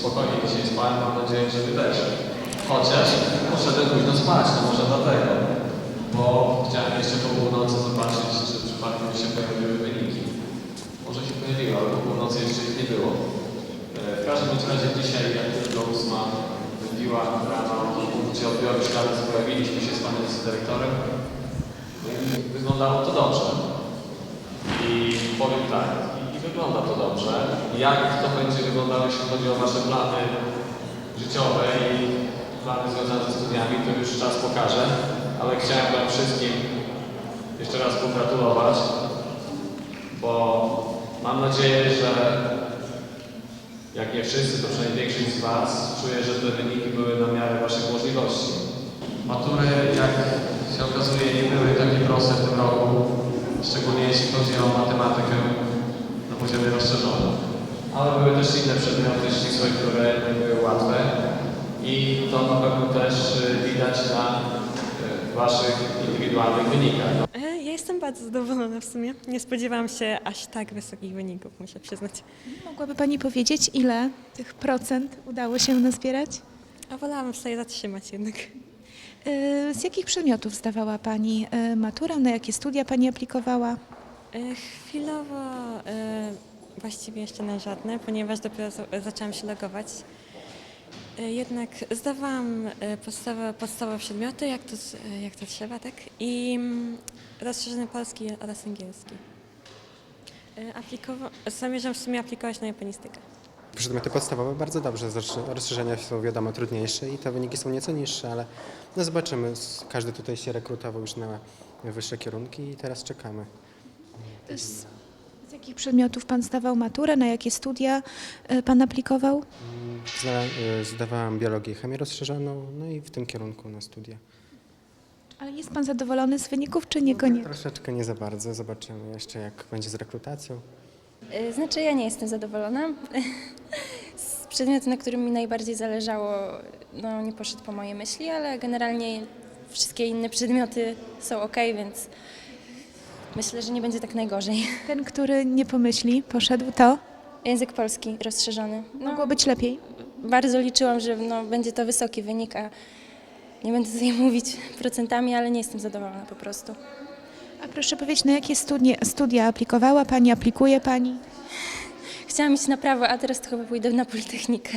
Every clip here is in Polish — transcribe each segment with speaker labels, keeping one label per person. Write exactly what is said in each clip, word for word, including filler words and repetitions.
Speaker 1: spokojnie dzisiaj spałem, mam nadzieję, że wy też. Chociaż poszedłem późno spać, no może dlatego. Bo chciałem jeszcze po północy zobaczyć, czy przypadkiem się pojawiły wyniki. Może się pojawiły, ale po północy jeszcze ich nie było. W każdym razie dzisiaj, jak tylko ósma wybiła rano, gdzie odbiory śladów pojawiliśmy się z panem dyrektorem, wyglądało to dobrze. I powiem tak, i wygląda to dobrze. Jak to będzie wyglądało, jeśli chodzi o wasze plany życiowe i plany związane ze studiami, to już czas pokaże. Ale chciałem wam wszystkim jeszcze raz pogratulować, bo mam nadzieję, że jak nie wszyscy, to przynajmniej większość z was czuje, że te wyniki były na miarę waszych możliwości. Matury, jak się okazuje, nie były takie proste w tym roku, szczególnie jeśli chodzi o matematykę na poziomie rozszerzonym. Ale były też inne przedmioty ścisłe, które nie były łatwe i to na pewno też widać na waszych indywidualnych wynikach.
Speaker 2: Ja jestem bardzo zadowolona w sumie. Nie spodziewałam się aż tak wysokich wyników, muszę przyznać.
Speaker 3: Mogłaby Pani powiedzieć, ile tych procent udało się nazbierać?
Speaker 2: A wolałabym sobie zatrzymać jednak.
Speaker 3: Z jakich przedmiotów zdawała Pani maturę? Na jakie studia Pani aplikowała?
Speaker 2: Chwilowo właściwie jeszcze na żadne, ponieważ dopiero zaczęłam się logować. Jednak zdawałam podstawowe, podstawowe przedmioty, jak to, jak to trzeba, tak? I rozszerzony polski oraz angielski. Aplikowa- zamierzam w sumie aplikować na japonistykę.
Speaker 4: Przedmioty podstawowe bardzo dobrze, rozszerzenia są wiadomo trudniejsze i te wyniki są nieco niższe, ale no zobaczymy. Każdy tutaj się rekrutował już na wyższe kierunki i teraz czekamy.
Speaker 3: Z, z jakich przedmiotów Pan zdawał maturę? Na jakie studia Pan aplikował?
Speaker 4: Zdawałam biologię i chemię rozszerzoną, no i w tym kierunku na studia.
Speaker 3: Ale jest Pan zadowolony z wyników, czy niekoniecznie?
Speaker 4: Troszeczkę nie za bardzo, zobaczymy jeszcze jak będzie z rekrutacją.
Speaker 5: Znaczy ja nie jestem zadowolona. Z przedmiotu, na którym mi najbardziej zależało, no nie poszedł po mojej myśli, ale generalnie wszystkie inne przedmioty są ok, więc myślę, że nie będzie tak najgorzej.
Speaker 3: Ten, który nie pomyśli, poszedł, to
Speaker 5: Język polski rozszerzony. No,
Speaker 3: mogło być lepiej.
Speaker 5: bardzo liczyłam, że no, będzie to wysoki wynik, a nie będę tutaj mówić procentami, ale nie jestem zadowolona po prostu.
Speaker 3: A proszę powiedzieć, na jakie studia, studia aplikowała Pani, aplikuje Pani?
Speaker 5: Chciałam iść na prawo, a teraz to chyba pójdę na Politechnikę.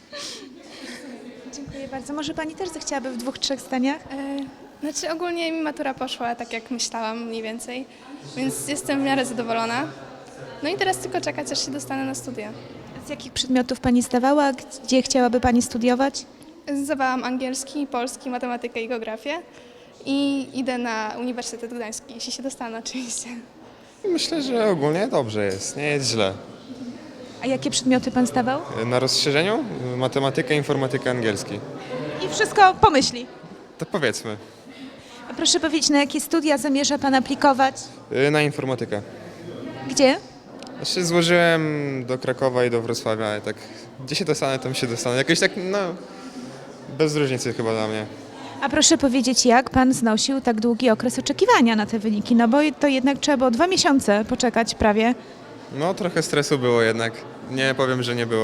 Speaker 3: Dziękuję bardzo. Może Pani też zechciałaby w dwóch, trzech zdaniach?
Speaker 6: E, znaczy ogólnie mi matura poszła tak jak myślałam mniej więcej, więc jestem w miarę zadowolona. No i teraz tylko czekać, aż się dostanę na studia.
Speaker 3: Z jakich przedmiotów Pani zdawała? Gdzie chciałaby Pani studiować?
Speaker 6: Zdawałam angielski, polski, matematykę i geografię i idę na Uniwersytet Gdański, jeśli się dostanę oczywiście.
Speaker 7: Myślę, że ogólnie dobrze jest, nie jest źle.
Speaker 3: A jakie przedmioty Pan zdawał?
Speaker 7: Na rozszerzeniu matematyka, informatyka, angielski.
Speaker 3: I wszystko pomyśli.
Speaker 7: To powiedzmy,
Speaker 3: A proszę powiedzieć, na jakie studia zamierza Pan aplikować?
Speaker 7: na informatykę.
Speaker 3: Gdzie?
Speaker 7: Znaczy złożyłem do Krakowa i do Wrocławia, ale tak gdzie się dostanę, tam się dostanę. Jakoś tak, no, bez różnicy chyba dla mnie.
Speaker 3: A proszę powiedzieć, jak Pan znosił tak długi okres oczekiwania na te wyniki? No bo to jednak trzeba było dwa miesiące poczekać prawie.
Speaker 7: No trochę stresu było jednak, nie powiem, że nie było.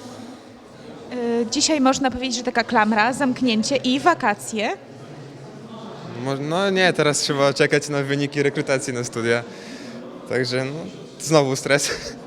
Speaker 3: Yy, dzisiaj można powiedzieć, że taka klamra, zamknięcie i wakacje.
Speaker 7: Mo- No nie, teraz trzeba czekać na wyniki rekrutacji na studia. Także no, znowu stres.